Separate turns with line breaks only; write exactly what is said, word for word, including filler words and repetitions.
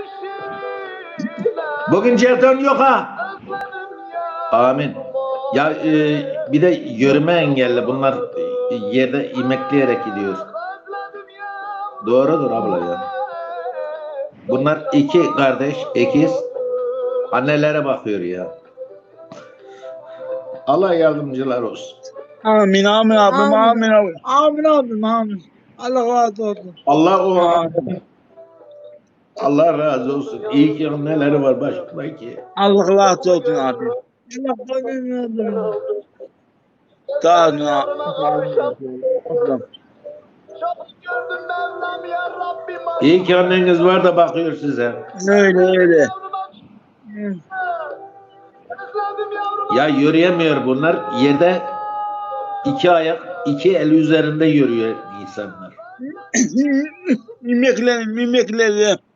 Bugün jeton yok ha. Amin. Ya e, bir de yürüme engelli. Bunlar e, yerde imekleyerek gidiyor. Doğrudur abla ya. Bunlar iki kardeş, ikiz. Annelere bakıyor ya. Allah yardımcılar olsun.
Amin amin abim
Amin.
amin abim. Amin abim amin. Allah razı olsun.
Allah o
Amin.
Allah razı olsun. İyi ki anneleri var başımda ki.
Allah razı olsun abi. Allah razı olsun. Sağ olun abi.
İyi ki anneniz var da bakıyor size.
Öyle öyle.
Ya yürüyemiyor bunlar. Yerde iki ayak, iki el üzerinde yürüyor insanlar.
Mimikleri mimikleri.